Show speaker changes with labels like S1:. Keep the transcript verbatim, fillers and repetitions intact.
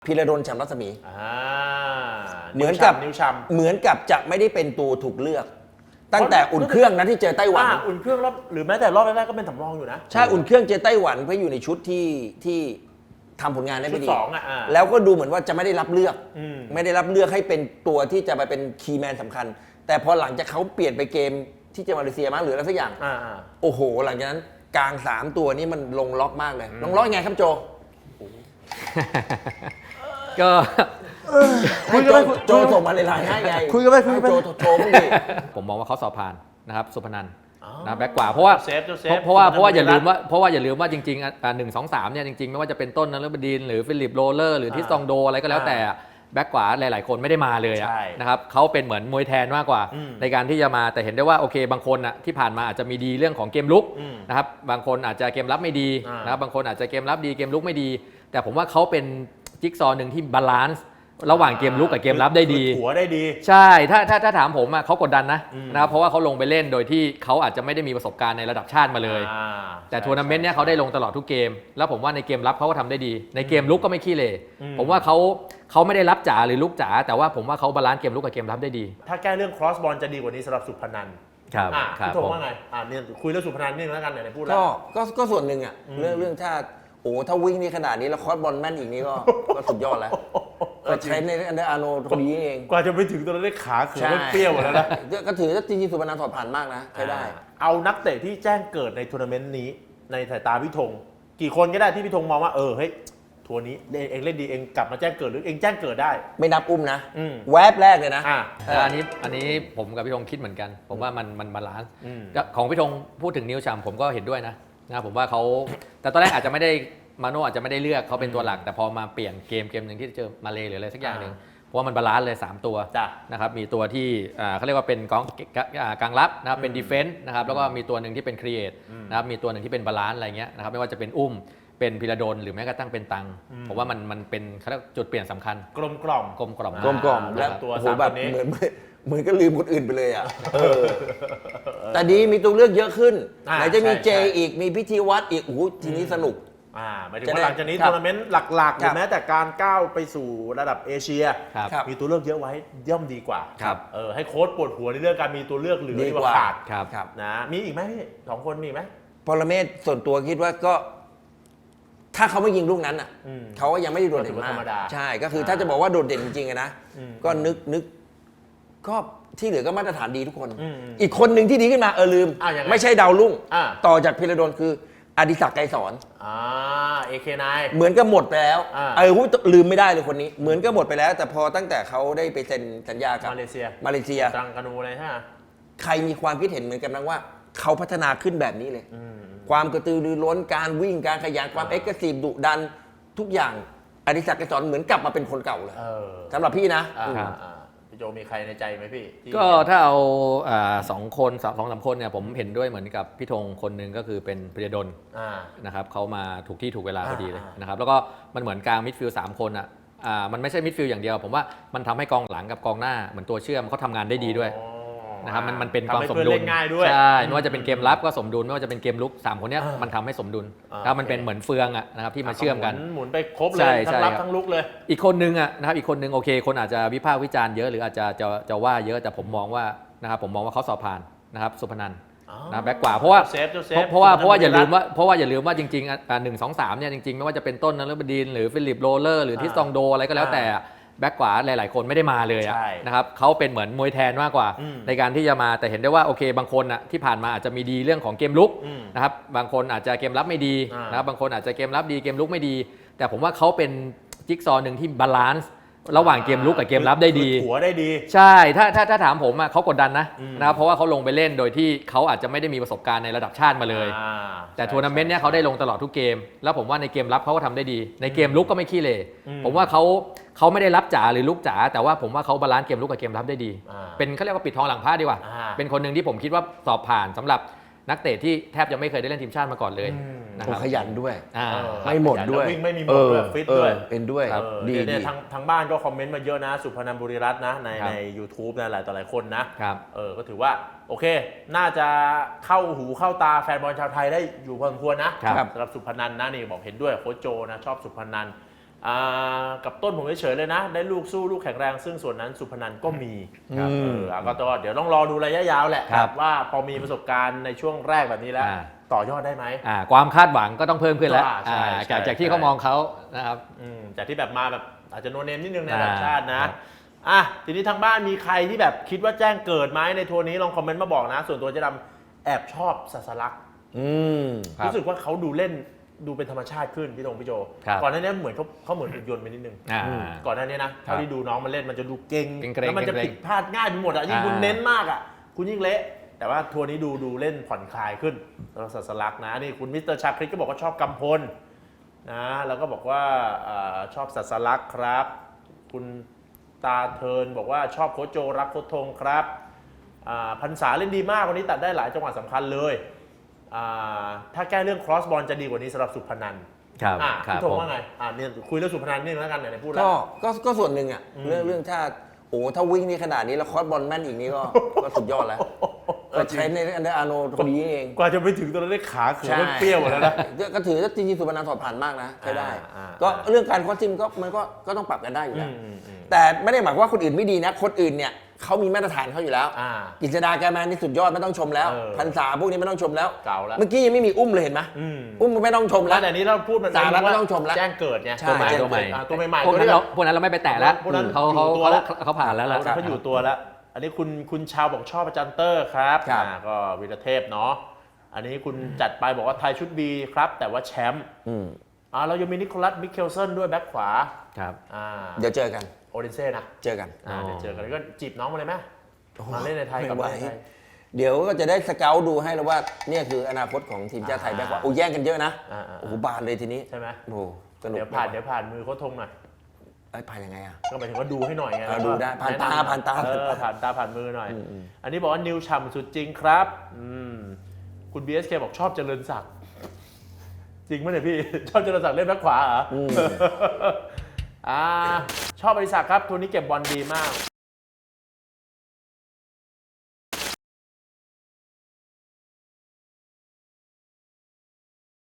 S1: พีระดลฉ่ำรัศมีเหมือน
S2: กั
S1: กับเหมือนกับจะไม่ได้เป็นตัวถูกเลือกตั้งแต่อุ่นเครื่องนะที่เจอไต้หวัน
S2: อุ่นเครื่องรอบหรือแม้แต่รอบแรกๆก็เป็นสำรองอยู่นะ
S1: ใช่อุ่นเครื่องเจอไต้หวันเพื่ออยู่ในชุดที่ที่ทำผลงานได้ไม่ดีแล้วก็ดูเหมือนว่าจะไม่ได้รับเลือกไม่ได้รับเลือกให้เป็นตัวที่จะไปเป็นคีย์แมนสำคัญแต่พอหลังจากเขาเปลี่ยนไปเกมที่เจอมาเลเซียมั้งหรืออะไรสักอย่างโอ้โหหลังจากนั้นกลางสามตัวนี้มันลงล็อกมากเลยลงล็อกยังไงครับโจ
S3: ก็
S1: คุยกันไปโจส่งมาในไลน์ให้ไง
S2: คุยกันไปคุยกันไป
S1: โจโจมึงดิ
S3: ผมมองว่าเขาสอบผ่านนะครับสุพนันนะแบ็กกว่าเพราะว่าเพราะว่าเพราะว่าอย่าลืมว่าเพราะว่าอย่าลืมว่าจริงๆหนึ่งสองสามเนี่ยจริงๆไม่ว่าจะเป็นต้นนฤบดินหรือฟิลิปโรเลอร์หรือทิสตองโดอะไรก็แล้วแต่แบ็กขวาหลายๆคนไม่ได้มาเลยนะครับเขาเป็นเหมือนมวยแทนมากกว่าในการที่จะมาแต่เห็นได้ว่าโอเคบางคนอ่ะที่ผ่านมาอาจจะมีดีเรื่องของเกมลุกนะครับบางคนอาจจะเกมรับไม่ดีนะครับบางคนอาจจะเกมรับดีเกมลุกไม่ดีแต่ผมว่าเขาเป็นจิ๊กซอว์หนึ่งที่บาลานซ์ระหว่างเกมลุกกับเกมรับได้ดี
S2: หัวได้ดี
S3: ใช่ถ้าถ้าถ้าถามผมอ่ะเขากดดันนะนะครับเพราะว่าเขาลงไปเล่นโดยที่เขาอาจจะไม่ได้มีประสบการณ์ในระดับชาติมาเลยแต่ทัวร์นาเมนต์เนี้ยเขาได้ลงตลอดทุกเกมแล้วผมว่าในเกมรับเขาก็ทำได้ดีในเกมลุกก็ไม่ขี้เหร่ผมว่าเขาเขาไม่ได้รับจ๋าหรือลุกจ๋าแต่ว่าผมว่าเขาบาลานซ์เกมลุกกับเกมรับได้ดี
S2: ถ้าแก้เรื่อง cross ball จะดีกว่านี้สำหรับสุพนัน
S3: ครับ
S2: พี่โทว่าไงอ่าเนี่ยคุยเรื่องสุพนันนิดนึงแล้วกันไหนพูดแล้ว
S1: ก็ก็ส่วนหนึ่งอ่ะเรื่องเรื่องถ้าโอ้ถ้าวิ่งนี่ขนาดนี้แล้วคอร์สบอลแม่นอีกนี่ก็ก็สุดยอดแล้วก็ใช้ในอันเดอร์อาโนคนนี้เอง
S2: กว่าจะไปถึงตัวนั้นได้ขาเขือเปรี้ยวหมดแล้วนะ
S1: ก็ถือว่าจริงๆสุพนันถอดผ่านมากนะใช้ได้
S2: เอานักเตะที่แจ้งเกิดในทัวร์นาเมนต์นี้ในสายตาพี่ธงกี่คนก็ได้ที่พี่ธงมองว่าเออเฮ้ยทัวร์นี้เองเล่นดีเองกลับมาแจ้งเกิดหรือเองแจ้งเกิดได้
S1: ไม่นับอุ้มนะแวบแรกเลยนะ
S3: อันนี้อันนี้ผมกับพี่ธงคิดเหมือนกันผมว่ามันมันบาลานซ์ของพี่ธงพูดถึงนิวชัมผมก็เห็นด้วยนะนะผมว่าเขาแต่ตอนแรกอาจจะไม่ได้มาโน่อาจจะไม่ได้เลือกเขาเป็นตัวหลักแต่พอมาเปลี่ยนเกมเกมหนึ่งที่เจอมาเลหรืออะไรสักอย่างหนึ่งเพราะว่ามันบาลานซ์เลยสามตัวนะครับมีตัวที่เขาเรียกว่าเป็นกองกลางรับนะครับเป็นดีเฟนส์นะครับแล้วก็มีตัวหนึ่งที่เป็นครีเอทนะครับมีตัวหนึ่งที่เป็นบาลานซ์อะไรเงี้ยนะครับไม่ว่าจะเป็นอุ้มเป็นพีระดลหรือแม้กระทั่งเป็นตังผมว่ามันมันเป็นเขาเรียกจุดเปลี่ยนสำคัญ
S2: กลมกล่อม
S3: กลมกล่อม
S1: กลมกล่อมและตัวสามคนนี้เหมือนเหมือนก็ลืมคนอื่นไปเลยอ่ะแต่ดีมีตัวเลือกเยอะขึ้นไหนจะมีเจอีกมีพิธีวัดอีกโอ้โหทีนี้สนุก
S2: อ่าหมายถึงว่าหลังจากนี้ทัวร์นาเมนต์หลักๆหรือแม้แต่การก้าวไปสู่ระดับเอเชียมีตัวเลือกเยอะไว้ย่อมดีกว่าเออให้โค้ชปวดหัวในเรื่องการมีตัวเลือกเหลือดีกว่าขาดนะมีอีกไหมพี่สองคนมีไหม
S1: ปรเมศส่วนตัวคิดว่าก็ถ้าเขาไม่ยิงลูกนั้นอ่ะเขาก็ยังไม่ได้โดดเด่นมากใช่ก็คือถ้าจะบอกว่าโดดเด่นจริงๆนะก็นึกนึกก็ที่เหลือก็มาตรฐานดีทุกคนอีกคนหนึ่งที่ดีขึ้นมาเออลืมไม่ใช่ดาวรุ่งต่อจากพีระดลคืออดิศักดิ์ไกรสอน
S2: อ่า เอ เค ไนน์
S1: เหมือนก็หมดไปแล้วเออลืมไม่ได้เลยคนนี้เหมือนก็หมดไปแล้วแต่พอตั้งแต่เขาได้ไปเซ็นสัญญากับ
S2: มาเลเซีย
S1: มาเลเซีย
S2: ตรังกานูเลยฮะ
S1: ใครมีความคิดเห็นเหมือนกันบ้างว่าเขาพัฒนาขึ้นแบบนี้เลยความกระตือรือร้นการวิ่งการขยันความเอ็กซ์ซีฟดุดันทุกอย่างอดิศักดิ์ไกรสอนเหมือนกลับมาเป็นคนเก่าเลยสำหรับพี่นะ
S2: พี่โจมีใครในใจไหมพี่
S3: ก็ถ้าเอาสองคนสองสามคนเนี่ยผมเห็นด้วยเหมือนกับพี่ธงคนหนึ่งก็คือเป็นพีระดลนะครับเขามาถูกที่ถูกเวลาพอดีเลยนะครับแล้วก็มันเหมือนกลางมิดฟิลด์สามคนอ่ะมันไม่ใช่มิดฟิลด์อย่างเดียวผมว่ามันทำให้กองหลังกับกองหน้าเหมือนตัวเชื่อมเขาทำงานได้ดีด้วยนะครับมันมันเป็นความสมดุลใช่ไม่ว่าจะเป็นเกมรับก็สมดุลไม่ว่าจะเป็นเกมลุกสามคนนี้มันทำให้สมดุลแล้วมันเป็นเหมือนเฟืองอ่ะนะครับที่มาเชื่อมกัน
S2: หมุนไปครบเลยทั้งรับทั้งลุกเลย
S3: อีกคนนึงอ่ะนะครับอีกคนนึงโอเคคนอาจจะวิพากษ์วิจารณ์เยอะหรืออาจจะจะจะว่าเยอะแต่ผมมองว่านะครับผมมองว่าเขาสอบผ่านนะครับสุพนันนะแบ็กกว่าเพราะว่าเพราะว่าเพราะว่าอย่าลืมว่าเพราะว่าอย่าลืมว่าจริงๆหนึ่งสองสามเนี่ยจริงๆไม่ว่าจะเป็นต้นนฤบดินหรือฟิลิปโรเลอร์หรือทิสตองโดอะไรก็แล้วแต่แบ็กขวาหลายๆคนไม่ได้มาเลยนะครับเขาเป็นเหมือนมวยแทนมากกว่าในการที่จะมาแต่เห็นได้ว่าโอเคบางคนอ่ะที่ผ่านมาอาจจะมีดีเรื่องของเกมลุกนะครับบางคนอาจจะเกมรับไม่ดีนะครับบางคนอาจจะเกมรับดีเกมลุกไม่ดีแต่ผมว่าเขาเป็นจิ๊กซอว์หนึ่งที่บาลานซ์ระหว่างเกมลุกกับเกมรับได้ดี
S2: หัวได้ดี
S3: ใช่ถ้าถ้าถ้าถามผมอ่ะเขากดดันนะนะครับเพราะว่าเขาลงไปเล่นโดยที่เขาอาจจะไม่ได้มีประสบการณ์ในระดับชาติมาเลยแต่ทัวร์นาเมนต์เนี้ยเขาได้ลงตลอดทุกเกมแล้วผมว่าในเกมรับเขาก็ทำได้ดีในเกมลุกก็ไม่ขี้เหร่ผมว่าเขาเขาไม่ได้รับจ๋าหรือลุกจ๋าแต่ว่าผมว่าเขาบาลานซ์เกมลุกกับเกมรับได้ดีเป็นเขาเรียกว่าปิดทองหลังผ้าดีกว่าเป็นคนหนึ่งที่ผมคิดว่าสอบผ่านสำหรับนักเตะที่แทบจะไม่เคยได้เล่นทีมชาติมาก่อนเลย
S1: นะครับขยันด้วย
S2: ไม่หมดด้วยวิ่งไม่มีหมดด้วยฟิตด้วย
S1: เป็นด้วย
S2: ดีเนี่ยทางทางบ้านก็คอมเมนต์มาเยอะนะสุพนันบุรีรัตน์นะในใน ยูทูบ นะหลายต่อหลายคนนะเออก็ถือว่าโอเคน่าจะเข้าหูเข้าตาแฟนบอลชาวไทยได้อยู่พอสมควรนะสำหรับสุพนันนะนี่บอกเห็นด้วยโค้ชโจนะชอบสุพนันอ่ากับต้นผมเฉยๆเลยนะ ได้ลูกสู้ลูกแข็งแรงซึ่งส่วนนั้นสุพนันก็มี
S3: ครับ
S2: เอออ่ะก็ต้องเดี๋ยวต้องรอดูระยะยาวแหละ
S3: ครับ
S2: ว่าพอมีประสบการณ์ในช่วงแรกแบบนี้แล้ว
S3: อ่า
S2: ต่อยอดได้ไหม
S3: อ่าความคาดหวังก็ต้องเพิ่มขึ้นแล้ว
S2: อ่าใช่
S3: อ่า
S2: ใช่
S3: จากจากที่
S2: ใช่
S3: เขามองเขานะครับ
S2: อืมจากที่แบบมาแบบอาจจะโนเนมนิดนึงใน
S3: อ่า
S2: ระดับชาติ
S3: ค
S2: นะ
S3: รับ
S2: อ่ะทีนี้ทางบ้านมีใครที่แบบคิดว่าแจ้งเกิดไหมในทัวร์นี้ลองคอมเมนต์มาบอกนะ ส่วนตัวเจะดำแอบชอบสัสลักษณ์
S1: อืม
S3: ครับ
S2: รู้สึกว่าเขาดูเล่นดูเป็นธรรมชาติขึ้นพี่ธงพี่โจ
S3: ครับ
S2: ก่อนหน้านี้เหมือนเขาเขาเหมือนหุ่นยนต์ไปนิดนึง
S3: อ่า
S2: ก่อนหน้านี้นะเท่าที่ดูน้องมันเล่นมันจะดูเก่ง
S3: เกร็งๆ
S2: แล้วมันจะ
S3: เกร็งๆ
S2: ผิดพลาดง่ายไปหมดอ่ะยิ่งคุณ
S3: อ่า
S2: เน้นมากอ่ะคุณยิ่งเละแต่ว่าทัวร์นี้ดูดูเล่นผ่อนคลายขึ้นสำหรับสัสลักษณ์นะนี่คุณมิสเตอร์ชาคริตก็บอกว่าชอบกำพลนะแล้วก็บอกว่าเอ่อชอบสัสลักษณ์ครับ คุณตาเทิร์นบอกว่าชอบโค้ชโจรักโค้ชธงครับอ่าพันษาเล่นดีมากวันนี้ตัดได้หลายจังหวะสำคัญเลยอ่าถ้าแก้เรื่องครอสบอลจะดีกว่านี้สำหรับสุพนัน
S3: ครับ
S2: อ่ะ
S3: ครับ
S2: พี่ธง
S3: ผม
S2: ว่าไงอ่าเนี่ยคุยเรื่องสุพนันนี่แล้วกันไหนๆพูดแล้
S1: ก็
S2: ว
S1: ก็ก็ส่วนหนึ่งอ่ะ
S2: อืม
S1: เรื่องเรื่องถ้าโอ้ถ้าวิ่งนี่ขนาดนี้แล้วคอร์สบอลแม่นอีกนี่ก็ ก็สุดยอดแล้วก็ใช้ในอันเดอร์อาร์โนคนนี้เอง
S2: กว่าจะไปถึงตอนนั้นได้ขาเขือเปรี้ยวหมดแล้วนะ
S1: ก็ถือว่าจริงๆสุพนันถอดผ่านมากนะใช้ได้
S2: อ่า
S1: ก็
S2: อ่า
S1: เรื่องการคอสซิมก็มันก็ก็ต้องปรับกันได้อยู่แล้ว
S2: อืมอืมอืม
S1: แต่ไม่ได้หมายความว่าคนอื่นไม่ดีนะ คนอื่นเนี่ยเขามีมาตรฐานเขาอยู่แล้ว
S2: อ่า
S1: กิจดาแกแมนนี่สุดยอดไม่ต้องชมแล้ว
S2: เออ
S1: พันษาพวกนี้ไม่ต้องชมแล้ว
S2: เก่าแล้ว
S1: เมื่อกี้ยังไม่มีอุ้มเลยเห็นไหม
S2: อืม
S1: อุ้มไม่ต้องชม
S2: แล้
S1: แล้ว ว
S2: แต่นี้เราพูดมัน
S1: สาระไม่
S2: ว่า
S1: ต้องชมแล้ว
S2: แจ้งเกิดไง
S1: ใช่
S2: ตัวใหม่
S3: ตัวใหม่
S2: อ่าตัวใหม่ๆ
S3: พวก
S2: ตัว
S3: นั้น
S2: ที่
S3: เรา
S2: แบบ
S3: พวกนั้นเราไม่ไปแตะแล้ว
S2: พวกนั้น
S3: เขาเขา
S2: อยู่ตัว
S3: เขา
S2: แล้ว
S3: เขาผ่านแล้วล่ะ
S2: เขาอยู่ตัวแล้ว อันนี้คุณคุณชาวบอกชอบอาจารย์เตอร์ครับ
S1: ครับ
S2: อ่าก็วีรเทพเนาะอันนี้คุณจัดไปบอกว่าไทยชุดบีครับ แต่ว่าแชมป์
S1: อืม
S2: อ่าเรายังมีนิโคลัสมิเคลเซนด้วยแบ็คขวา
S3: ครับ
S2: อ่า
S1: เดี๋ยวเจอกัน
S2: โอเดนเซ่นะ
S1: เจอกัน
S2: อ่า
S3: อ๋อ
S2: เดี๋ยวเจอกันแล้วก็จีบน้องมาเลยไหมมาเล่นในไทยกับ
S1: ไม่ไหว
S2: ในไทย
S1: เดี๋ยวก็จะได้สเกลดูให้แล้วว่าเนี่ยคืออนาคตของทีมชาติไทยแบ็คกว่าโอ้แย่งกันเยอะนะ
S2: อ่าอ่า
S1: โอ้โหบานเลยทีนี้
S2: ใช่ไหม
S1: โอ้โหสนุก
S2: เดี๋ยวผ่านเดี๋ยวผ่านมือโค้ชธงหน่อย
S1: ไอ้ยผ่านยังไงอ่ะ
S2: ก็หมายถึงว่าดูให้หน่อยไง
S1: เออ
S2: แล้วก็
S1: ดูได้ผ่านตา
S2: แะำ
S1: ผ่านตา
S2: เออผ่านตาผ่านมือหน่อย
S1: อืมอืม
S2: อันนี้บอกว่านิวฉ่ำสุดจริงครับอืมคุณ บี เอส เค บอกชอบเจริญศักดิ์จริงไหมเนี่ยพี่ ชอบเจริญศักดิ์เล่นแบ็คขวาเหรออ
S1: ม
S2: อ่าชอบบริษัทครับทัวร์นี้เก็บบอลดีมาก